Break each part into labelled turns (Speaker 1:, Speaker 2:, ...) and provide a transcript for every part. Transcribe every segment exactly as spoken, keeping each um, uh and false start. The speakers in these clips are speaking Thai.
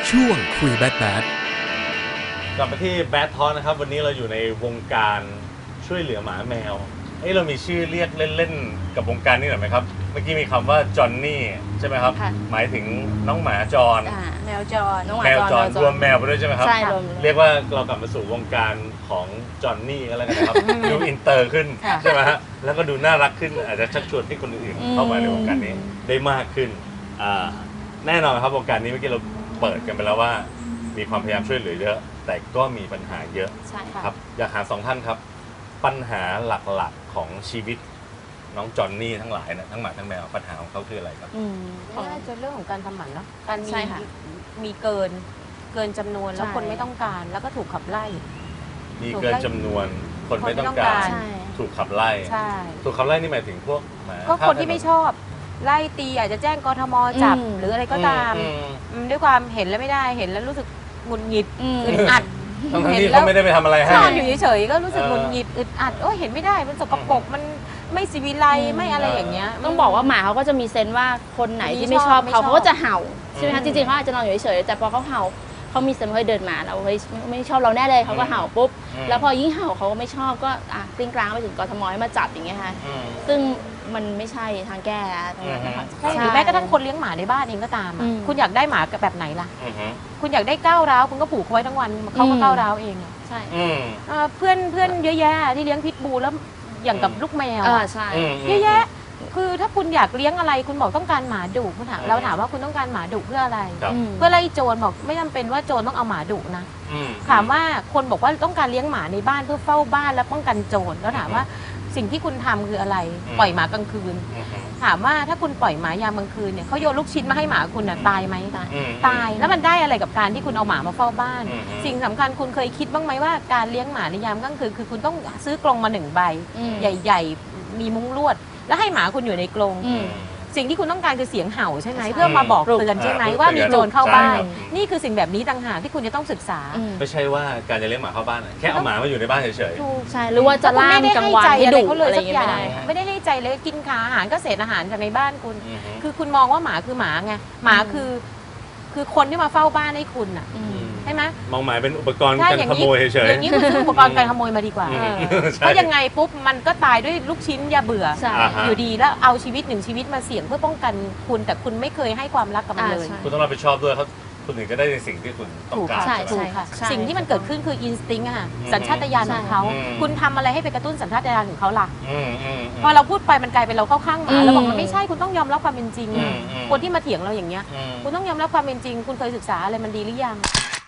Speaker 1: ช่วงคุยแบดแบด
Speaker 2: กลับมาที่แบดทอนะครับวันนี้เราอยู่ในวงการช่วยเหลือหมาแมวเอ้เรามีชื่อเรียกเล่นๆกับวงการนี้หน่อยไหมครับเมื่อกี้มีคำว่าจอนนี่ใช่ไหมครับหมายถึงน้องหมาจร
Speaker 3: แมวจรน้องหมา
Speaker 2: แมวจรรวมแมวไปด้วยใช่ไหมครับ
Speaker 3: ใช่รวม
Speaker 2: เรียกว่าเรากลับมาสู่วงการของจอนนี่ก็แล้วกันนะครับดูอินเตอร์ขึ้นใช่ไหมฮะแล้วก็ดูน่ารักขึ้นอาจจะชักชวนให้คนอื่นเข้ามาในวงการนี้ได้มากขึ้นแน่นอนครับวงการนี้เมื่อกี้เราเปิดกันไปแล้วว่ามีความพยายามช่วยเหลือเยอะแต่ก็มีปัญหาเยอะ
Speaker 3: ใช่ค่ะ
Speaker 2: ครับอยากหาสองท่านครับปัญหาหลักๆของชีวิตน้องจอนนี่ทั้งหลายนะทั้งหมาทั้งแมวปัญหาของเขาคืออะไรครับ
Speaker 3: อืม
Speaker 4: น่าจะเรื่องของการทำหมันเนาะการมี
Speaker 3: ใช่ค่ะ
Speaker 4: มีเกินเกินจำนวนแล้ว
Speaker 3: ใช่
Speaker 4: คนไม่ต้องการแล้วก็ถูกขับไล่
Speaker 2: มีเกินจำนวนคนไม่ต้องการ
Speaker 3: ใช่
Speaker 2: ถูกขับไล่
Speaker 4: ใช่
Speaker 2: ถูกขับไล่นี่หมายถึงพวกหมา
Speaker 4: ก็คนที่ไม่ชอบไล่ตีอาจจะแจ้งกทมจับ
Speaker 3: อืม
Speaker 4: หรืออะไรก็ตาม
Speaker 2: อืม
Speaker 4: อืมด้วยความเห็นแล้วไม่ได้เห็นแล้วรู้สึกหงุดหงิด
Speaker 3: อืม
Speaker 4: อึดอัด
Speaker 2: ทั้งๆที่เขาไม่ได้ไปทำอะไรให้
Speaker 4: นอนอยู่เฉยๆก็รู้สึก
Speaker 2: เออ
Speaker 4: หงุดหงิดอึดอัดโอ้ยเห็นไม่ได้มันสกปรกมันไม่สิวิไล
Speaker 3: อืม
Speaker 4: ไม่อะไรอย่างเงี้ย
Speaker 3: ต้องบอกว่าหมาเขาก็จะมีเซนส์ว่าคนไหนที่ไม่ชอบ
Speaker 4: ไม่ช
Speaker 3: เขา
Speaker 4: อบ
Speaker 3: เขาก็จะเห่าใช่ไหม
Speaker 2: อื
Speaker 3: คะ
Speaker 2: ม
Speaker 3: จริงๆเขาอาจจะนอนอยู่เฉยๆแต่พอเขาเห่าเขามีเซนส์ว่าเฮ้ยเดินมาเราเฮ้ยไม่ไม่ชอบเราแน่เลยเขาก็เห่าปุ๊บ
Speaker 2: อืม
Speaker 3: แล้วพอยิ่งเห่าเขาก็ไม่ชอบก็อ่ะกลิ้งกลางไปถึงกทมให้มาจับอย่างเงี้ยค่ะ
Speaker 2: อืม
Speaker 3: ซึ่งมันไม่ใช่ทางแก้ตรงนั้นนะคะ
Speaker 4: ใช่หรือแม้กระทั่งคนเลี้ยงหมาในบ้านเองก็ตามอะ
Speaker 3: อืม
Speaker 4: คุณอยากได้หมาแบบไหนล่ะ
Speaker 2: อืมอืม
Speaker 4: คุณอยากได้ก้าวร้าวคุณก็ผูกเขาไว้ทั้งวันเขาก็
Speaker 3: อืม
Speaker 4: ก้าวร้าวเองอะ
Speaker 3: ใช่
Speaker 2: อืม
Speaker 4: เอ่อเพื่อนเพื่อนเยอะแยะที่เลี้ยงพิทบูลแล้วอย่างกับลูกแมว
Speaker 3: อ่า
Speaker 4: อะ
Speaker 3: ใช่
Speaker 2: อืม
Speaker 4: เยอะแยะ คือถ้าคุณอยากเลี้ยงอะไรคุณบอกต้องการหมาดุคุณถามเราถามว่าคุณต้องการหมาดุเพื่ออะไร
Speaker 2: ครับ
Speaker 3: อืม
Speaker 4: เพื่อไล่โจรบอกไม่จำเป็นว่าโจรต้องเอาหมาดุนะ
Speaker 2: อืม
Speaker 4: ถามว่าคนบอกว่าต้องการเลี้ยงหมาในบ้านเพื่อเฝ้าบ้านและป้องกันโจรแล้วถามว่าสิ่งที่คุณทำคืออะไร
Speaker 2: อืม
Speaker 4: ปล่อยหมากลางคืน
Speaker 2: อืม
Speaker 4: ถามว่าถ้าคุณปล่อยหมายามกลางคืนเนี่ยเขาโยนลูกชิ้นมาให้หมาคุณน่ะตายไหม
Speaker 3: ตาย
Speaker 2: อืม
Speaker 4: ตายแล้วมันได้อะไรกับการที่คุณเอาหมามาเฝ้าบ้าน
Speaker 2: อืม
Speaker 4: สิ่งสำคัญคุณเคยคิดบ้างไหมว่าการเลี้ยงหมาในยามกลางคืนคือคุณต้องซื้อกรงมาหนึ่งใบ
Speaker 3: อืม
Speaker 4: ใหญ่ๆ มีมุ้งลวด แล้วให้หมาคุณอยู่ในกรง
Speaker 3: อืม
Speaker 4: สิ่งที่คุณต้องการคือเสียงเห่าใช่ไหม
Speaker 3: ใช่
Speaker 4: เพื่อมาบอกเตือนใช่ไหม
Speaker 2: อ่า
Speaker 4: ว่ามีโจรเข้าบ้าน
Speaker 2: ใช่ครับ
Speaker 4: นี่คือสิ่งแบบนี้ต่างหากที่คุณจะต้องศึกษา
Speaker 3: อืม
Speaker 2: ไม่ใช่ว่าการจะเลี้ยงหมาเข้าบ้านอะแค่เอาหมามาอยู่ในบ้านเฉย
Speaker 4: ถูก
Speaker 3: ใช่หรือว่าจะล่ามกลางวันให้ดุ
Speaker 4: เขาเล
Speaker 3: อะ
Speaker 4: ย
Speaker 3: ไรอ
Speaker 4: สั
Speaker 3: ย่าก งเงี้
Speaker 4: อย ย่าง
Speaker 3: ไม่ได้ค่ะ
Speaker 4: ไม่ได้ให้ใจเลยกินขาอาหารก็เศษอาหารจากในบ้านคุณ
Speaker 2: ๆอืม
Speaker 4: คือคุณมองว่าหมาคือหมาไงหมาคือ คือคนที่มาเฝ้าบ้านให้คุณอ่ะ
Speaker 3: อืม
Speaker 4: ใช่ไหม
Speaker 2: มองหมายเป็นอุปกรณ์
Speaker 4: ใช่
Speaker 2: การ
Speaker 4: อย่าง
Speaker 2: ข
Speaker 4: นี้
Speaker 2: โมยเฉย
Speaker 4: อย่างนี้คุณซื้ออุปกรณ์การขโมยมาดีกว่า
Speaker 2: ๆอืม
Speaker 3: เออ
Speaker 2: ใช่
Speaker 4: เพราะยังไงปุ๊บมันก็ตายด้วยลูกชิ้นยาเบื่อ
Speaker 3: ใช่
Speaker 2: อ่าฮะ
Speaker 4: อยู่ดีแล้วเอาชีวิตหนึ่งชีวิตมาเสี่ยงเพื่อป้องกันคุณแต่คุณไม่เคยให้ความรักกับมันเลย
Speaker 3: อ่าใช่
Speaker 2: คุณต้องรับผิดชอบด้วยเขาคุณถึงจะได้ในสิ่งที่คุณต้อง
Speaker 4: ถูก
Speaker 2: การ
Speaker 4: ค่ะ
Speaker 3: ใช่
Speaker 4: ถูกค่ะ
Speaker 3: ใช่
Speaker 4: สิ่งที่มันเกิดขึ้นคืออินสติ้งอะค่ะ
Speaker 2: อืม
Speaker 4: สัญชาตญาณของเขา
Speaker 2: อืม
Speaker 4: คุณทำอะไรให้ไปกระตุ้นสัญชาตญาณของเขาล่ะ
Speaker 2: อืมอืมม
Speaker 4: พอเราพูดไปมันกลายเป็นเราเข้าข้างห
Speaker 3: อื
Speaker 4: มาม แล้วบอกมันไม่ใช่คุณต้องยอมรับความเป็นจริง
Speaker 2: อืมอืม
Speaker 4: คนที่มาเถียงเราอย่างเงี้ย
Speaker 2: อืม
Speaker 4: คุณต้องยอมรับความเป็นจริง คุณเคยศึกษาอะไรมันดีหรือยัง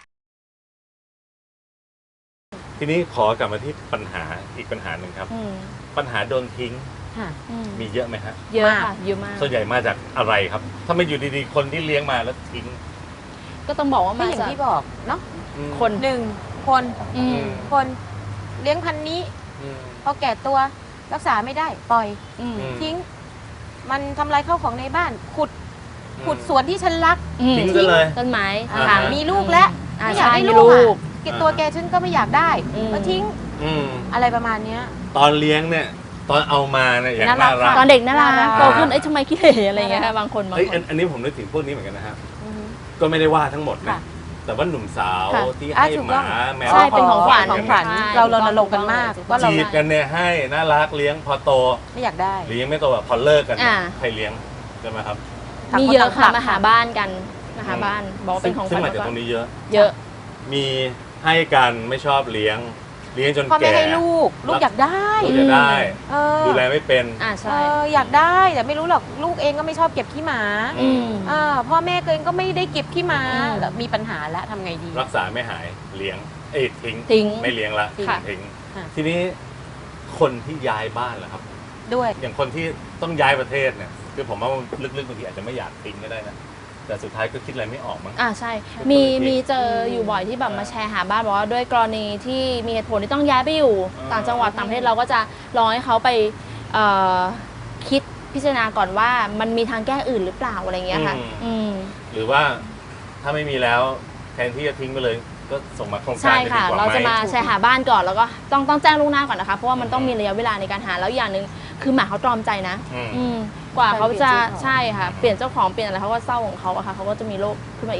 Speaker 2: ทีนี้ขอกลับมาที่ปัญหาอีกปัญหาหนึ่งครับ
Speaker 3: อืม
Speaker 2: ปัญหาโดนทิ้ง
Speaker 4: ค่ะ
Speaker 3: อืม
Speaker 2: มีเยอะไหมฮะ
Speaker 3: เยอะ
Speaker 4: มาก
Speaker 3: ค่ะเยอะมาก
Speaker 2: ส่วนใหญ่มาจากอะไรครับ ถ้าไม่อยู่ดีๆ คนที่เลี้ยงมาแล้วทิ้ง
Speaker 3: ก็ต้องบอกว่า
Speaker 4: ก็
Speaker 3: มา
Speaker 4: อย่าง
Speaker 3: จาก
Speaker 4: ที่บอกเนาะ
Speaker 2: อืม
Speaker 3: คน
Speaker 4: หนึ่งคน
Speaker 3: อืม
Speaker 4: คนเลี้ยงพันธุ์นี้
Speaker 2: อืม
Speaker 4: พอแก่ตัวรักษาไม่ได้ปล่อย
Speaker 3: อืม
Speaker 2: อืม
Speaker 4: ทิ้ง มันทำลายข้าวของในบ้าน ขุดขุดสวนที่ฉันรัก
Speaker 3: อืม
Speaker 2: ทิ้งซะเลย
Speaker 3: ต้นไม้
Speaker 4: อ่า
Speaker 3: ค่ะ
Speaker 4: มีลูกแล้ว
Speaker 3: อ่า
Speaker 4: ไม่อยากได้
Speaker 3: ใช่
Speaker 4: ลูก
Speaker 3: มีลู
Speaker 4: อ่ะ
Speaker 3: ก
Speaker 4: เก็บตัวแกฉันก็ไม่อยากได้
Speaker 3: อืม
Speaker 4: ก็ทิ้ง
Speaker 2: อืม
Speaker 4: อะไรประมาณเนี้ย
Speaker 2: ตอนเลี้ยงเนี่ย ตอนเอามาเนี่ยอย่าง
Speaker 4: น่ารั
Speaker 2: น่าก รัก
Speaker 3: ตอนเด็กน่ารั
Speaker 4: น่าก รัก
Speaker 3: โตขึ้นเอ้ยทำไมขี้เหร่อะไรอย่างเงี้ยค่ะบางคนบาง
Speaker 2: เฮ้ย
Speaker 3: ค
Speaker 2: อั
Speaker 3: น
Speaker 2: นอันนี้ผมนึกถึงพวกนี้เหมือนกันนะฮะ
Speaker 4: อือฮึ
Speaker 2: ก็ไม่ได้ว่าทั้งหมดนะ
Speaker 4: ค่ะ
Speaker 2: แต่ว่าหนุ่มสาว
Speaker 3: ค่ะ
Speaker 2: ที่
Speaker 4: อ่ะ
Speaker 2: ให้
Speaker 4: ถูก
Speaker 2: ห
Speaker 4: ต้
Speaker 2: มา
Speaker 4: อง
Speaker 2: แมว
Speaker 3: ใช่เป็นของขวัญ
Speaker 4: ของขวัญ
Speaker 3: ใช่
Speaker 4: เรารณรงค์กันมากว่าเรา
Speaker 2: จีบกันเนี่ยให้น่ารักเลี้ยงพอโต
Speaker 4: ไม่อยากได้
Speaker 2: หรือยังไม่โตแบบพอเลิกกัน
Speaker 3: อ่า
Speaker 2: ใครเลี้ยงใช่ไหมครับ
Speaker 3: มีเยอะค่ะมาหาบ้านกันมาหาบ้านบอกว่าเป็นของข
Speaker 2: ซึ่
Speaker 3: วั
Speaker 2: ง
Speaker 3: ญ
Speaker 2: มาจาก
Speaker 3: แล้ว
Speaker 2: ต
Speaker 3: ก็
Speaker 2: รงนี้เยอะ
Speaker 3: เยอะ
Speaker 2: มีให้กันไม่ชอบเลี้ยง เลี้ยงจน
Speaker 4: พ่อแม่
Speaker 2: แก่
Speaker 4: ให้ลูก ลูกอยากได้
Speaker 2: ลูกจะได้
Speaker 4: เออ
Speaker 2: ดูแลไม่เป็น
Speaker 3: อ่า
Speaker 4: เอ
Speaker 3: ใช่
Speaker 4: ออยากได้แต่ไม่รู้หรอกลูกเองก็ไม่ชอบเก็บขี้หมา
Speaker 3: อืม
Speaker 4: อ่าพ่อแม่เองก็ไม่ได้เก็บขี้หมา
Speaker 3: อืม
Speaker 4: แล้วมีปัญหาแล้วทำไงดี
Speaker 2: รักษาไม่หายเลี้ยงเอ้ยทิ้ง
Speaker 3: ทิ้ง
Speaker 2: ไม่เลี้ยงละ
Speaker 4: ทิ้ง
Speaker 2: ทิ้ง
Speaker 4: ค่ะ
Speaker 2: ทีนี้คนที่ย้ายบ้านล่ะครับ
Speaker 4: ด้วย
Speaker 2: อย่างคนที่ต้องย้ายประเทศเนี่ยคือผมว่าลึกๆบางทีอาจจะไม่อยากทิ้งก็ได้นะแต่สุดท้ายก็คิดอะไรไม่ออกมั้ง
Speaker 3: อ่าใช่
Speaker 2: เป็น
Speaker 3: มี
Speaker 2: คนที่
Speaker 3: มีเจออยู่บ่อยที่แบบมาแชร์หาบ้านบอกว่าด้วยกรณีที่มีเหตุผลที่ต้องย้ายไปอยู่
Speaker 2: อ่า
Speaker 3: ต่างจังหวัดต่างประเทศเราก็จะรอให้เขาไปเอ่อคิดพิจารณาก่อนว่ามันมีทางแก้อื่นหรือเปล่าอะไรเงี้ยค่ะ อืม
Speaker 2: หรือว่าถ้าไม่มีแล้วแทนที่จะทิ้งไปเลยก็ส่งมาโครงการ
Speaker 3: ใช่
Speaker 2: จะดี
Speaker 3: ค่ะ
Speaker 2: กว่า
Speaker 3: เรา
Speaker 2: ไหม
Speaker 3: จะมาแชร์หาบ้านก่อนแล้วก็ต้องต้องแจ้งล่วงหน้าก่อนนะคะเพราะว่ามันต้องมีระยะเวลาในการหาแล้วอย่างหนึ่งคือหมาเขาตรอมใจนะ
Speaker 2: อืม
Speaker 3: อืมกว่าเขาจะ
Speaker 4: การเปลี่ยนเจ้าของ
Speaker 3: ใช่ค่ะเปลี่ยนเจ้าของเปลี่ยนอะไรเขาก็เศร้าของเขาอะค่ะเขาก็จะมีโรคขึ้นมาอีก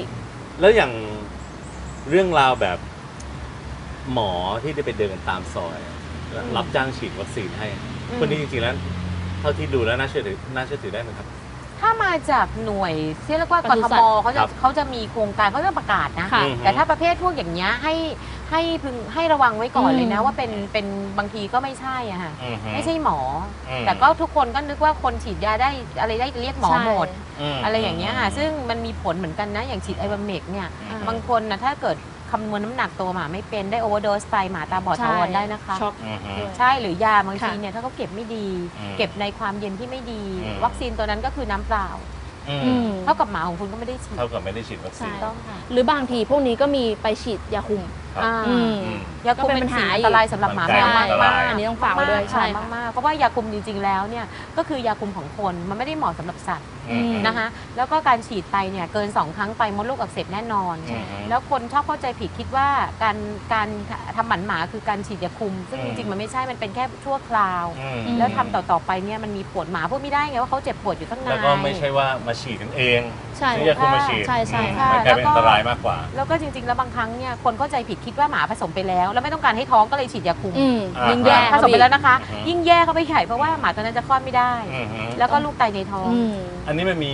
Speaker 2: แล้วอย่างเรื่องราวแบบหมอที่ได้ไปเดินตามซอย รับจ้างฉีดวัคซีนให้คนนี้จริงๆแล้วเท่าที่ดูแล้วน่าเชื่อถือน่าเชื่อถือได้ไหมครับ
Speaker 4: ถ้ามาจากหน่วยที่เรียกว่ากทมเขาจะเขาจะมีโครงการเขาจะประกาศนะ แต่ถ้าประเภทพวกอย่างเงี้ยให้ให้พึงให้ระวังไว้ก่อนเลยนะว่าเป็นเป็นบางทีก็ไม่ใช่อะค่ะไม่ใช่หมอ แต่ก็ทุกคนก็นึกว่าคนฉีดยาได้อะไรได้เรียกหมอหมดอะไรอย่างเงี้ยค่ะซึ่งมันมีผลเหมือนกันนะอย่างฉีดไอวาเมกเนี่ยบางคนนะถ้าเกิดคำนวณน้ำหนักตัวหมาไม่เป็นได้โอเวอร์โดสไปหมาตาบอดถาวรได้นะคะใช่หรือยาบางทีเนี่ยถ้าเขาเก็บไม่ดี เก็บในความเย็นที่ไม่ดี วัคซีนตัวนั้นก็คือน้ำเปล่าเท่ากับหมาของคุณก็ไม่ได้ฉีด
Speaker 2: เท่ากับไม่ได้ฉีดวัคซีน
Speaker 3: ต้องค่ะหรือบางทีพวกนี้ก็มีไปฉีดยาคุม
Speaker 4: ยาคุมเป็นสิ่งอันตรายสำหรับหมาแมวมากมาก
Speaker 3: อันนี้ต้องฝากไว้ด้วยใช่
Speaker 4: มากๆเพราะว่ายาคุมจริงๆแล้วเนี่ยก็คือยาคุมของคนมันไม่ได้เหมาะสำหรับสัตว์นะคะแล้วก็การฉีดไปเนี่ยเกินสองครั้งไปมดลูกอักเสบแน่นอนแล้วคนชอบเข้าใจผิดคิดว่าการการทำหมันหมาคือการฉีดยาคุมซึ่งจริงๆมันไม่ใช่มันเป็นแค่ชั่วคราวแล้วทำต่อๆไปเนี่ยมันมีผลหมาพูดไม่ได้ไงว่าเขาเจ็บปวดอยู่ข้างใน
Speaker 2: แล้วก็ไม่ใช่ว่ามาฉีดกันเองซื้อยาคุมมาฉีด
Speaker 3: ใช่ใช่
Speaker 2: มันกลายเป็นอันตรายมากกว่า
Speaker 4: แล้วก็จริงๆแล้วบางครั้งเนี่ยคนเข้าใจผิดคิดว่าหมาผสมไปแล้วแล้วไม่ต้องการให้ท้องก็เลยฉีดยาคุม
Speaker 3: ยิ่งแย่
Speaker 4: ผสมไปแล้วนะคะยิ่งแย่เข้าไปใหญ่เพราะว่าหมาตัวนั้นจะคลอดไม่ได้แล้วก็ลูกตายในท้อง
Speaker 2: อันนี้มันมี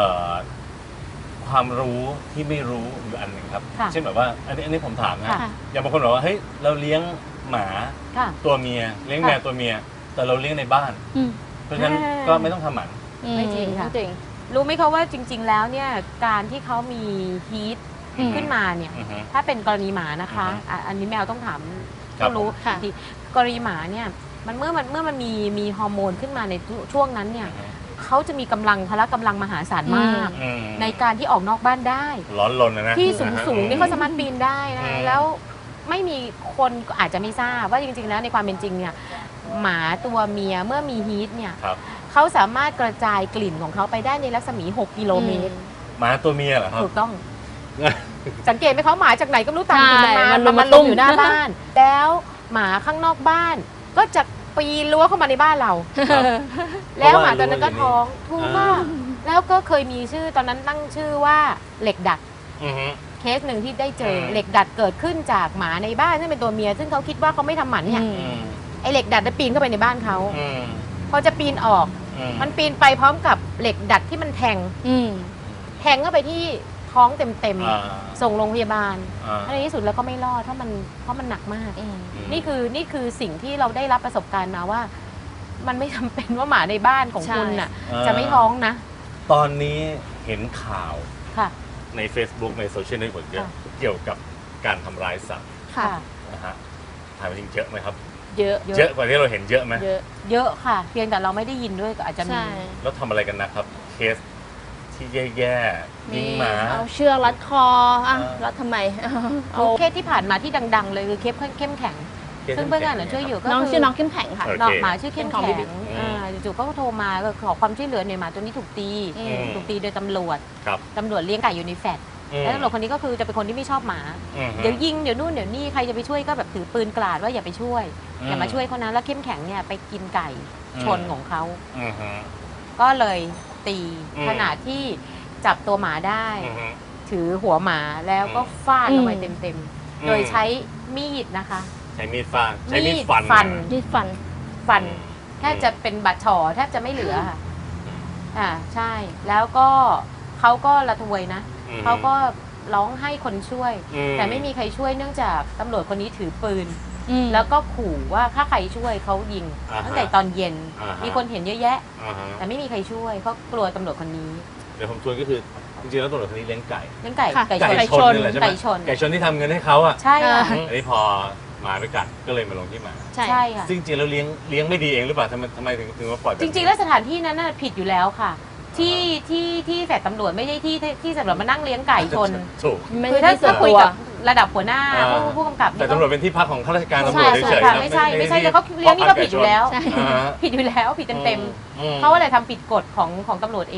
Speaker 2: ความรู้ที่ไม่รู้อยู่อันหนึ่งครับเช่นแบบว่าอันนี้อันนี้ผมถามนะอย่างบางคนบอกว่าเฮ้ยเราเลี้ยงหมาตัวเมียเลี้ยงแมวตัวเมียแต่เราเลี้ยงในบ้านเพราะฉะนั้นก็ไม่ต้องทำหมัน
Speaker 4: ไม่จริงค่ะรู้ไหมเขาว่าจริงๆแล้วเนี่ยการที่เขามีฮีทขึ้นมาเนี่ยถ้าเป็นกรณีหมานะคะอันนี้แมวต้องถามต้องรู้ที่กรณีหมาเนี่ยมันเมื่อมันเมื่อมันมีมีฮอร์โมนขึ้นมาในช่วงนั้นเนี่ยเขาจะมีกำลังพละกำลังมหาศาลมากในการที่ออกนอกบ้านได้
Speaker 2: ร้อนรนนะ
Speaker 4: ที่สูงสูงนี่เขาสามารถปีนได้นะแล้วไม่มีคนอาจจะไม่ทราบว่าจริงๆแล้วในความเป็นจริงเนี่ยหมาตัวเมียเมื่อมีฮีทเนี่ยเขาสามารถกระจายกลิ่นของเขาไปได้ในรัศมีหกกิโลเมตร
Speaker 2: หมาตัวเมียเหรอครับ
Speaker 4: ถูกต้องสังเกตไหมเขาหมาจากไหนก็ไม่รู้ตามกลิ่นมันมามันลงอยู่หน้าบ้านแล้วหมาข้างนอกบ้านก็จะปีนรั้วเข้ามาในบ้านเราแล้วหมาตัวนั้นก็ท้องถูกมากแล้วก็เคยมีชื่อตอนนั้นตั้งชื่อว่าเหล็กดัดเคสหนึ่งที่ได้เจอเหล็กดัดเกิดขึ้นจากหมาในบ้านซึ่งเป็นตัวเมียซึ่งเขาคิดว่าเขาไม่ทำหมันเนี่ยไอเหล็กดัดจะปีนเข้าไปในบ้านเขาพอจะปีนออกมันปีนไปพร้อมกับเหล็กดัดที่มันแทงแทงเข้าไปที่ท้องเต็มๆส่งโรงพยาบาลในที่สุดแล้วก็ไม่รอดเพราะมันเพราะมันหนักมากนี่คือนี่คือสิ่งที่เราได้รับประสบการณ์มาว่ามันไม่จำเป็นว่าหมาในบ้านของคุณน่ะจะไม่ท้องนะ
Speaker 2: ตอนนี้เห็นข่าวใน Facebook ในโซเชียลเน็ตเวิร์กเยอะเกี่ยวกับการทำร้ายสัตว์นะฮะถามจริงเยอะไหมครับ
Speaker 3: เยอะ
Speaker 2: เยอะกว่าที่เราเห็นเยอะไหม
Speaker 4: เยอะเยอะค่ะเพียงแต่เราไม่ได้ยินด้วยก็อาจจะมี
Speaker 2: แล้วทำอะไรกันนะครับเคสที่แย่ๆยิงหมา
Speaker 3: เอาเชือกรัดคออ่ะรัดทำไม
Speaker 4: เอาเคสที่ผ่านมาที่ดังๆเลยคือเคสเข้มแข็งซึ่งเพื่อนๆช่วยอยู่ก็
Speaker 3: น้องชื่อน้องเข้มแข็งค่ะ
Speaker 4: น้องหมาชื่อเข้มแข็งจู่ๆก็โทรมาขอความช่วยเหลือหน่อยหมาตัวนี้ถูกตีถูกตีโดยตำรวจตำรวจเลี้ยงไก่อยู่ในแฟลตแล้วตำรวจคนนี้ก็คือจะเป็นคนที่ไม่ชอบหมาเดี๋ยวยิงเดี๋ยวนู่นเดี๋ยวนี่ใครจะไปช่วยก็แบบถือปืนกราดว่าอย่าไปช่วยอย่ามาช่วยเขานะแล้วเข้มแข็งเนี่ยไปกินไก่ชนของเขาก็เลยตีขณะที่จับตัวหมาได้ถือหัวหมาแล้วก็ฟาดลงไปเต็มๆโดยใช้มีดนะคะ
Speaker 2: ใช้มีดฟาดใช้มีดฟัน
Speaker 3: มีดฟัน
Speaker 4: ฟันแทบจะเป็นบาดฉ่อแทบจะไม่เหลือค่ะอ่าใช่แล้วก็เขาก็ระทวยนะเขาก็ร้องให้คนช่วยแต่ไม่มีใครช่วยเนื่องจากตำรวจคนนี้ถือปืนแล้วก็ขู่ว่าถ้าใครช่วยเขายิงตั้งแต่ตอนเย็นมีคนเห็นเยอะแยะแต่ไม่มีใครช่วยเขากลัวตำรวจคนนี้
Speaker 2: เดี๋ยวผมชวนก็คือจริงๆแล้วตำรวจคนนี้เลี้ยงไก่
Speaker 4: เลี้ยงไก่
Speaker 2: ไก่ชนไก่ชนไก่ชนที่ทำเงินให้เขาอ่ะ
Speaker 4: ใช่ค่ะ
Speaker 2: อันนี้พอหมาไปกัดก็เลยมาลงที่หมา
Speaker 4: ใช่ค่ะ
Speaker 2: จริงๆแล้วเลี้ยงเลี้ยงไม่ดีเองหรือเปล่าทำไมทำไมถึงถึงมาปล่อย
Speaker 4: จริงๆแล้วสถานที่นั้นน่ะผิดอยู่แล้วค่ะที่ที่ที่แฝดตำรวจไม่ใช่ที่ที่สำหรับมานั่งเลี้ยงไก่ชนคือถ้าถ้าคุยกับระดับหัวหน้าผู้กำกับ
Speaker 2: แต่ตำรวจเป็นที่พักของข้าราชการตำรวจเฉย
Speaker 4: ๆไม่ใช่ไม่ใช่แต่เขาเลี้ยงนี่ก็ผิดอยู่แล้วผิดอยู่แล้วผิดเต็มๆเขาอะไรทำผิดกฎของของตำรวจเอง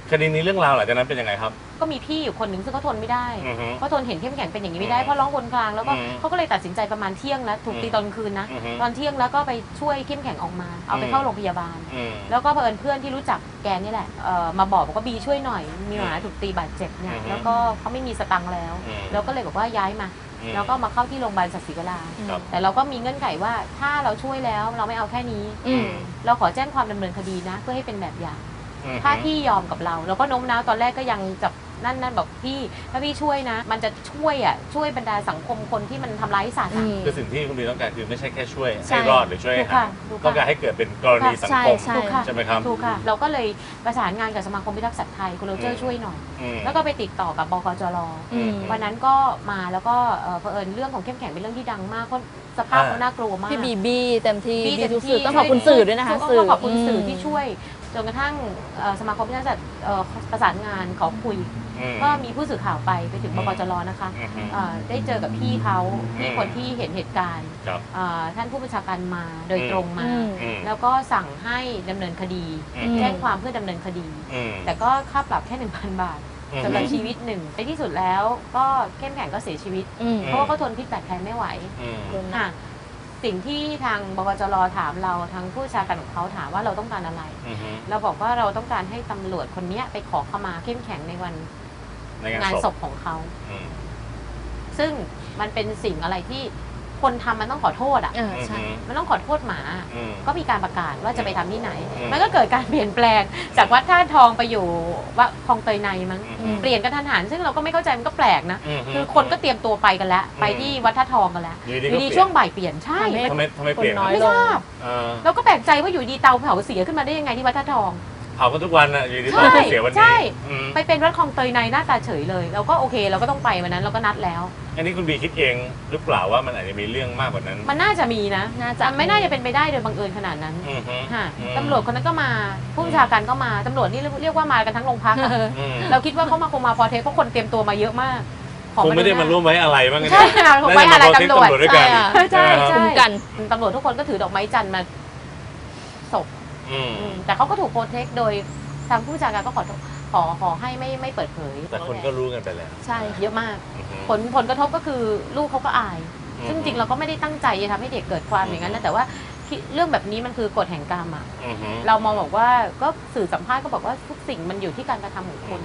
Speaker 2: คดีนี้เรื่องราวหลังจากนั้นเป็นยังไงครับ
Speaker 4: ก็มีพี่อยู่คนหนึ่งซึ่งเขาทนไม่ได้
Speaker 2: อือฮึ
Speaker 4: เขาทนเห็นเข้มแข็งเป็นอย่างนี้ไม่ได้
Speaker 2: อืม
Speaker 4: เพราะร้องวนกลางแล้วก็
Speaker 2: อืม
Speaker 4: เขาก็เลยตัดสินใจประมาณเที่ยงแล้วถูกตี
Speaker 2: อืม
Speaker 4: ตอนคืนนะ
Speaker 2: อือฮึ
Speaker 4: ตอนเที่ยงแล้วก็ไปช่วยเข้มแข็งออกมา เอาไปเข้าโรงพยาบาล
Speaker 2: อืม
Speaker 4: แล้วก็เผอิญเพื่อนที่รู้จักแกนี่แหละเอ่อมาบอกบอกว่าบีช่วยหน่อยมีหมาถูกตีบาดเจ็บเนี่ย
Speaker 2: อือฮึ
Speaker 4: แล้วก็เขาไม่มีสตังค์แล้ว
Speaker 2: อืม
Speaker 4: แล้วก็เลยบอกว่าย้ายมา
Speaker 2: อืม
Speaker 4: แล้วก็มาเข้าที่โรงพยาบาลศักดิ์ศรีวรา
Speaker 2: ครับ
Speaker 4: แต่เราก็มีเงื่อนไขว่าถ้าเราช่วยแล้วเราไม่เอาแค่นี้
Speaker 3: อืม
Speaker 4: เราขอแจ้งความดำเนินคดีนะ เพื่อให้เป็นแบบอย่าง
Speaker 2: อืม
Speaker 4: ถ้าพี่ยอมกับเราเราก็โน้มน้าวตอนแรกก็ยังจับนั่นนั่นบอกพี่ถ้าพี่ช่วยนะ มันจะช่วยอ่ะช่วยบรรดาสังคมคนที่มันทำร้ายสัตว์
Speaker 3: อื
Speaker 4: อะ
Speaker 3: ม
Speaker 2: คือสิ่งที่คุณบีต้องการคือไม่ใช่แค่ช่วย
Speaker 3: ใช่
Speaker 2: ให้รอดหรือช่วย
Speaker 4: ถู
Speaker 2: ให้
Speaker 4: กค่ะ
Speaker 2: หาย
Speaker 4: ถูกค่ะ
Speaker 2: ต้องการให้เกิดเป็นกรณีสังคม
Speaker 3: ใช่
Speaker 4: ถูกค่ะ
Speaker 2: ใช่ไหมครับ
Speaker 4: ถูกค่ะ เราก็เลยประสานงานกับสมาคมพิทักษ์สัตว์ไทยคุณโรเจอ
Speaker 2: อื
Speaker 4: ร์
Speaker 2: ม
Speaker 4: ช่วยหน่อย
Speaker 2: อืม
Speaker 4: แล้วก็ไปติดต่อกับบกจร
Speaker 3: อืม
Speaker 4: วันนั้นก็มาแล้วก็เอ่อเผอิญเรื่องของเข้มแข็งเป็นเรื่องที่ดังมากเพราะสภาพเขาน่ากลัวมาก
Speaker 3: พี่บีบีเต็มที่
Speaker 4: พี่
Speaker 3: บี
Speaker 4: เต็ม
Speaker 3: ทุก
Speaker 4: ที่
Speaker 3: สื่อต้องขอบคุณสื่อด้วยนะคะ
Speaker 4: ต้องขอบคุณสื่อ
Speaker 3: ม
Speaker 4: ที่ช่วยจนกระทั่งเอ่อสมาคมพิทักษ์สัตว์เอ่อประสานงานขอคุย
Speaker 2: อืม
Speaker 4: ก็มีผู้สื่อข่าวไปไปถึงบกจรนะคะ
Speaker 2: อืม
Speaker 4: เอ่อได้เจอกับพี่เขาพี่
Speaker 2: อืม
Speaker 4: คนที่เห็นเหตุการณ์
Speaker 2: ครับ
Speaker 4: เอ่อท่านผู้บัญชาการมาโดยตรงมา
Speaker 3: อืม
Speaker 2: อืม
Speaker 4: แล้วก็สั่งให้ดำเนินคดี
Speaker 2: อืม
Speaker 4: แจ้งความเพื่อดำเนินคดี
Speaker 2: อืม
Speaker 4: แต่ก็ค่าปรับแค่ หนึ่งพัน บาท
Speaker 2: อืม
Speaker 4: สำหรับชีวิตหนึ่งในที่สุดแล้วก็เข้มแข็งก็เสียชีวิต
Speaker 3: อืม
Speaker 4: เพราะว่าเขาทนพิษบาดแผลไม่ไหว
Speaker 2: อืม
Speaker 4: ค่ะสิ่งที่ทางบกจรถามเราทางผู้บัญชาการของเขาถามว่าเราต้องการอะไร
Speaker 2: อืม
Speaker 4: เราบอกว่าเราต้องการให้ตำรวจคนเนี้ยไปขอขมาเข้มแข็งในวัน
Speaker 2: ในงาน
Speaker 4: งาน
Speaker 2: ศ
Speaker 4: ศ
Speaker 2: พ
Speaker 4: พของเขา
Speaker 2: อืม
Speaker 4: ซึ่งมันเป็นสิ่งอะไรที่คนทำมันต้องขอโทษอ่ะ
Speaker 3: เออใช่
Speaker 4: มันต้องขอโทษหมา
Speaker 2: อืม
Speaker 4: ก็มีการประกาศว่าจะไปทำที่ไหน
Speaker 2: อืม
Speaker 4: มันก็เกิดการเปลี่ยนแปลงจากวัดท่าทองไปอยู่ว่าคลองเตยในมั้ง
Speaker 2: อืม
Speaker 4: เปลี่ยนกันทันหันซึ่งเราก็ไม่เข้าใจมันก็แปลกนะ
Speaker 2: ม
Speaker 4: คือคนก็เตรียมตัวไปกันแล้ว
Speaker 2: อืม
Speaker 4: ไปที่วัดท่าทองกันแล้ว
Speaker 2: อยู่
Speaker 4: อ
Speaker 2: ดี
Speaker 4: ยู่ดี
Speaker 2: ก็เปลี่ยน
Speaker 4: ช่วงบ่ายเปลี่ยนใช่
Speaker 3: ทำให้
Speaker 2: ทำไมทำไมเปลี่ยน
Speaker 3: คนน้อย
Speaker 4: ไม่
Speaker 3: ล
Speaker 4: ท
Speaker 3: ง
Speaker 4: ราบ
Speaker 2: เออ
Speaker 4: เราก็แปลกใจว่าอยู่ดีเตาเผาเสียขึ้นมาได้ยังไงที่วัดท่าทอง
Speaker 2: เผากันทุกวันอ่ะอยู่ดี
Speaker 4: ใช่
Speaker 2: ต้องเสียวัน
Speaker 4: ใช่
Speaker 2: นี้อืม
Speaker 4: ไปเป็นวัดคลองเตยในหน้าตาเฉยเลย เราก็โอเคเราก็ต้องไปวันนั้นเราก็นัดแล้ว
Speaker 2: อันนี้คุณบีคิดเองหรือเปล่าว่ามันอาจจะมีเรื่องมากกว่านั้น
Speaker 4: มันน่าจะมีนะ
Speaker 3: น่าจะ
Speaker 4: มันไม่น่าจะเป็นไปได้โดยบังเอิญขนาดนั้น
Speaker 2: อืมฮึ
Speaker 4: ค่ะ
Speaker 2: อืม
Speaker 4: ตำรวจคนนั้นก็มาผู้บัญชาการก็มาตำรวจนี่เรียกว่ามากันทั้งโรงพักอะ
Speaker 2: อืม
Speaker 4: เราคิดว่าเขามาคงมาพอเทคเพราะคนเตรียมตัวมาเยอะมากขอ
Speaker 2: คงไม่ได้มาร่วมไว้อะไรบ้าง
Speaker 4: ใช่ค่ะผมไว้อะไรตำรวจ
Speaker 2: ด้วยกัน
Speaker 3: ใช่
Speaker 4: ใช่
Speaker 3: คุ
Speaker 4: ใช่
Speaker 3: มกัน
Speaker 4: ตำรวจทุกคนก็ถือดอกไม้จันทร์มาศพ
Speaker 2: อืม
Speaker 4: อืมแต่เขาก็ถูกโปรเทคโดยทางผู้บัญชาการก็ขอขอขอให้ไม่ไม่เปิดเผย
Speaker 2: แต่คนก็รู้กันไปแล้ว
Speaker 3: ใช่
Speaker 4: เยอะมาก
Speaker 2: อือฮึ
Speaker 4: ผลผลกระทบก็คือลูกเขาก็อาย
Speaker 2: อืม
Speaker 4: ซึ่งจริงเราก็ไม่ได้ตั้งใจจะทำให้เด็กเกิดความอย่างนั้นนะแต่ว่าที่เรื่องแบบนี้มันคือกฎแห่งกรรมอะ
Speaker 2: อือฮึ
Speaker 4: เรามองบอกว่าก็สื่อสัมภาษณ์ก็บอกว่าทุกสิ่งมันอยู่ที่การกระทำของคน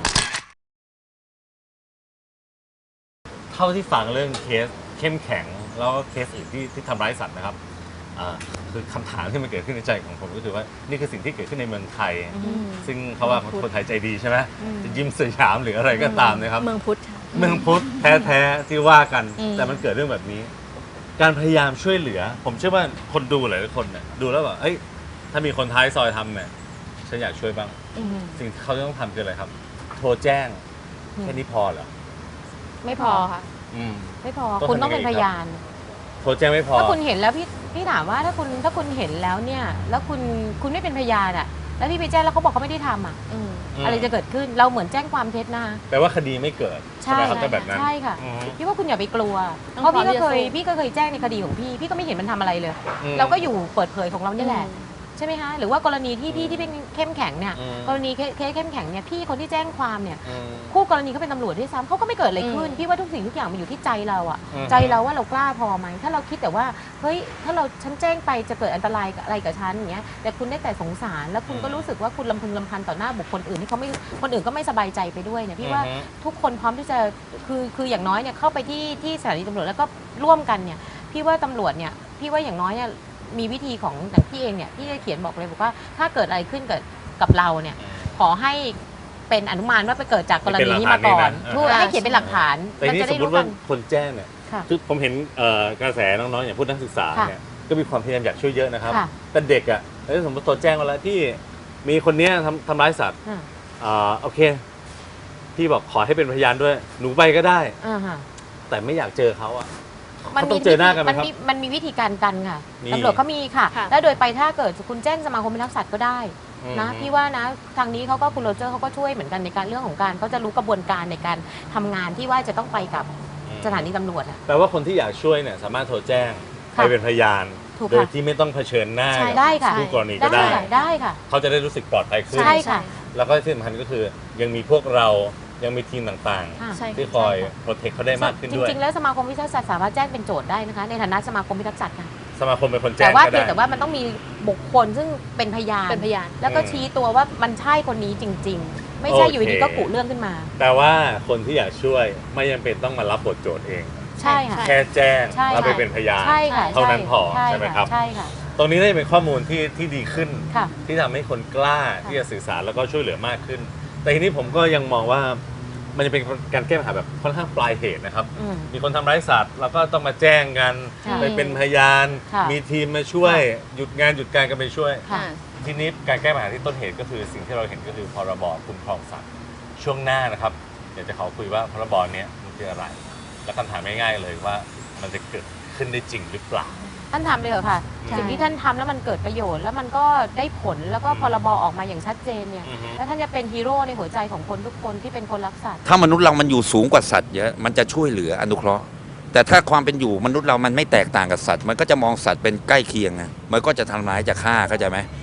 Speaker 2: เท่าที่ฟังเรื่องเคสเข้มแข็งแล้วก็เคสอื่นที่ที่ทำร้ายสัตว์นะครับอ่าคือคำถามที่มันเกิดขึ้นในใจของผมก็คือว่านี่คือสิ่งที่เกิดขึ้นในเมืองไทย
Speaker 3: อืม
Speaker 2: ซึ่งเขาว่าคนไทยใจดีใช่ไหม
Speaker 4: อืม
Speaker 2: จะยิ้มสยามหรืออะไรก็ตามนะครับ
Speaker 3: เมืองพุทธค่ะ
Speaker 2: เมืองพุทธแท้ๆที่ว่ากัน
Speaker 3: อืม
Speaker 2: แต่มันเกิดเรื่องแบบนี้ การพยายามช่วยเหลือ ผมเชื่อว่าคนดูหลายๆคนเนี่ยดูแล้วแบบเอ้ยถ้ามีคนท้ายซอยทำเนี่ยฉันอยากช่วยบ้าง
Speaker 3: อืม
Speaker 2: สิ่งที่เขาจะต้องทำคืออะไรครับ โทรแจ้ง
Speaker 4: อืม
Speaker 2: แค่นี้พอเหรอ
Speaker 4: ไม่พ
Speaker 3: พ
Speaker 4: อ
Speaker 3: อค่ะ
Speaker 2: อืม
Speaker 4: ไม่พอ
Speaker 2: ต้อง
Speaker 4: คุณต้อง
Speaker 2: ทำยั
Speaker 4: เป็
Speaker 2: ง
Speaker 4: น
Speaker 2: ไง
Speaker 4: พยาน
Speaker 2: โทรแจ้งไม่พอ
Speaker 4: ถ้าคุณเห็นแล้วพี่พี่ถามว่าถ้าคุณถ้าคุณเห็นแล้วเนี่ย แล้วคุณคุณไม่เป็นพยานอ่ะ แล้วพี่ไปแจ้งแล้วเขาบอกเขาไม่ได้ทำอ่ะ
Speaker 3: อืม
Speaker 2: ม
Speaker 4: อะไรจะเกิดขึ้นเราเหมือนแจ้งความเท็จนะคะ
Speaker 2: แปลว่าคดีไม่เกิดใช่ไหมครับถ้าแบบนั้น
Speaker 4: ใช่ค่ะ
Speaker 2: อืม
Speaker 4: พี่ว่าคุณอย่าไปกลัว
Speaker 3: ต้อง
Speaker 4: เพราะพี่ก็เคย
Speaker 3: พร้อมที่จะสู้
Speaker 4: พี่ก็เคยแจ้งในคดีของพี่พี่ก็ไม่เห็นมันทำอะไรเลย
Speaker 2: อืม
Speaker 4: เราก็อยู่เปิดเผยของเรานี่แหละ ใช่ไหมคะหรือว่ากรณีที่พี่ที่เป็นเข้มแข็งเนี่ย
Speaker 2: อืม
Speaker 4: กรณีเคสเข้มแข็งเนี่ยพี่คนที่แจ้งความเนี่ย
Speaker 2: อืม
Speaker 4: คู่กรณีเขาเป็นตำรวจด้วยซ้ำเขาก็ไม่เกิดอะไรขึ้น
Speaker 3: อืม
Speaker 4: พี่ว่าทุกสิ่งทุกอย่างมันอยู่ที่ใจเราอะ
Speaker 2: อืม
Speaker 4: ใจเราว่าเรากล้าพอไหมถ้าเราคิดแต่ว่าเฮ้ยถ้าเราฉันแจ้งไปจะเกิดอันตรายอะไรกับฉันอย่างเงี้ยแต่คุณได้แต่สงสารแล้วคุณก็รู้สึกว่าคุณลำพึงลำพันต่อหน้าบุคคลอื่นที่เขาไม่คนอื่นก็ไม่สบายใจไปด้วยเนี่ยพี่ว่า
Speaker 2: อืม
Speaker 4: ทุกคนพร้อมที่จะคือคืออย่างน้อยเนี่ยเข้าไปที่ที่สถานีตำรวจแล้วก็ร่วมกันเนี่ยพี่ว่าตำรวจเนี่ยพี่ว่าอย่างน้อยเนี่ยมีวิธีของอย่างพี่เองเนี่ยพี่จะเขียนบอกเลยบอกว่าถ้าเกิดอะไรขึ้นกับกับเราเนี่ยขอให้เป็นอนุมานว่าไปเกิดจากกรณีนี้มาก่อน
Speaker 2: เป็นหลักฐานนี่นะ
Speaker 4: ถูกให้เขียนเป็นหลักฐาน
Speaker 2: แต่
Speaker 4: มัน
Speaker 2: นี่
Speaker 4: จะ
Speaker 2: ส
Speaker 4: ได้
Speaker 2: มม
Speaker 4: รู้
Speaker 2: ติ
Speaker 4: กั
Speaker 2: ว่าน คนแจ้งเนี่ย
Speaker 4: ค่ะ
Speaker 2: คือผมเห็นเอ่อกระแสน้องๆอย่างพูดนักศึกษา
Speaker 4: ค่ะ
Speaker 2: เนี่ยก็มีความพยายามอยากช่วยเยอะนะครับ
Speaker 4: ค่ะ
Speaker 2: แต่เด็กอ่ะเอ้ยสมมติโทรแจ้งมาแล้วที่มีคนเนี้ยทำทำร้ายสัตว์
Speaker 4: อ่า
Speaker 2: อ่าโอเคพี่บอกขอให้เป็นพยานด้วยหนูไปก็ได้
Speaker 4: อ่าฮะ
Speaker 2: แต่ไม่อยากเจอเขาอ่ะ
Speaker 4: มัน
Speaker 2: เขาต้
Speaker 4: มี
Speaker 2: องเจอหน้ากันไหม
Speaker 4: มัน
Speaker 2: ครับ
Speaker 4: มีมันมีวิธีการกันค่ะ
Speaker 2: นี่
Speaker 4: ตำรวจเขามีค่ะ
Speaker 3: ค่ะ
Speaker 4: แล้วโดยไปถ้าเกิดคุณแจ้งสมาคมพิทักษ์สัตว์ก็ได้นะ
Speaker 2: อืม
Speaker 4: พี่ว่านะทางนี้เขาก็คุณโรเจอร์เขาก็ช่วยเหมือนกันในการเรื่องของการเขาจะรู้กระบวนการในการทำงานที่ว่าจะต้องไปกับสถานีตำรวจอะ
Speaker 2: แปลว่าคนที่อยากช่วยเนี่ยสามารถโทรแจ้ง
Speaker 4: ค่ะ
Speaker 2: ไปเป็นพยาน
Speaker 4: ถูก
Speaker 2: โดย
Speaker 4: ค่ะ
Speaker 2: ที่ไม่ต้องเผชิญหน้า
Speaker 4: ใช่
Speaker 2: กับ
Speaker 4: ได้ค่ะ
Speaker 2: คู่กรณีก็
Speaker 4: ได้
Speaker 2: ได้
Speaker 4: ค่ะได้ค่ะ
Speaker 2: เขาจะได้รู้สึกปลอดภัยขึ้น
Speaker 4: ใช่ค่ะ
Speaker 3: ใช่
Speaker 2: แล้วก็ที่สำคัญก็คือยังมีพวกเรายังมีทีมต่าง
Speaker 4: ค่ะ
Speaker 3: ใช่
Speaker 2: ๆ ที่คอยโปรเทคเขาได้มากขึ้น
Speaker 4: จ
Speaker 2: ด้วย
Speaker 4: ริงๆ แล้วสมาคมพิทักษ์สัตว์สามารถแจ้งเป็นโจทย์ได้นะคะในฐานะสมาคมพิทักษ์สัตว์ค่ะ
Speaker 2: สมาคมเป็นคนแจ้
Speaker 4: แต่
Speaker 2: ง
Speaker 4: ว่า
Speaker 2: ก็
Speaker 4: เพีย
Speaker 2: ได้
Speaker 4: งแต่ว่ามันต้องมีบุคคลซึ่งเป็นพยาน
Speaker 3: เป็นพยาน
Speaker 4: แล้วก็
Speaker 2: อืม
Speaker 4: ชี้ตัวว่ามันใช่คนนี้จริง ๆ ไม่ใช่
Speaker 2: โอเค
Speaker 4: อยู่ดีๆก็กุเรื่องขึ้นมา
Speaker 2: แต่ว่าคนที่อยากช่วยไม่จำเป็นต้องมารับบทโจทย์เอง
Speaker 4: ใช่ค่ะ
Speaker 2: แค่แจ้ง
Speaker 4: ใช่
Speaker 2: แล้วไปเป็นพยาน
Speaker 4: ใช่ค่ะ
Speaker 2: เท่านั้นพอ
Speaker 4: ใช่
Speaker 2: ใช่ไหมครับ
Speaker 4: ใช่ค่ะ
Speaker 2: ตรงนี้น่าจะเป็นข้อมูลที่ที่ดีขึ้น
Speaker 4: ค่ะ
Speaker 2: ที่ทำให้คนกล้าที่จะสื่อสารแล้วก็ช่วยเหลือมากขึ้น แต่ทีนี้ผมก็ยังมองว่ามันจะเป็นการแก้ปัญหาแบบค่อนข้างปลายเหตุนะครับ
Speaker 4: อืม
Speaker 2: มีคนทำร้ายสัตว์เราก็ต้องมาแจ้งกัน
Speaker 4: ค่ะ
Speaker 2: ไปเป็นพยาน
Speaker 4: ค่ะ
Speaker 2: มีทีมมาช่วยหยุดงานหยุดการกันไปช่วย
Speaker 4: ค่ะ
Speaker 2: ทีนี้การแก้ปัญหาที่ต้นเหตุก็คือสิ่งที่เราเห็นก็คือพรบคุ้มครองสัตว์ช่วงหน้านะครับอยากจะขอคุยว่าพรบเนี้ยมันคืออะไร และคำถามง่ายๆเลยว่ามันจะเกิดขึ้นได้จริงหรือเปล่า
Speaker 4: ท่านทำเลยเหรอค่ะ
Speaker 3: ใช่
Speaker 4: สิ่งที่ท่านทำแล้วมันเกิดประโยชน์ แล้วมันก็ได้ผลแล้วก็
Speaker 2: อืม
Speaker 4: พรบออกมาอย่างชัดเจนเนี่ย
Speaker 2: อือฮึ
Speaker 4: แล้วท่านจะเป็นฮีโร่ในหัวใจของคนทุกคนที่เป็นคนรักสัตว์
Speaker 1: ถ้ามนุษย์เรามันอยู่สูงกว่าสัตว์เยอะ มันจะช่วยเหลืออนุเคราะห์ แต่ถ้าความเป็นอยู่มนุษย์เรามันไม่แตกต่างกับสัตว์ มันก็จะมองสัตว์เป็นใกล้เคียงไงมันก็จะทำร้ายจะฆ่าเข้าใจไหม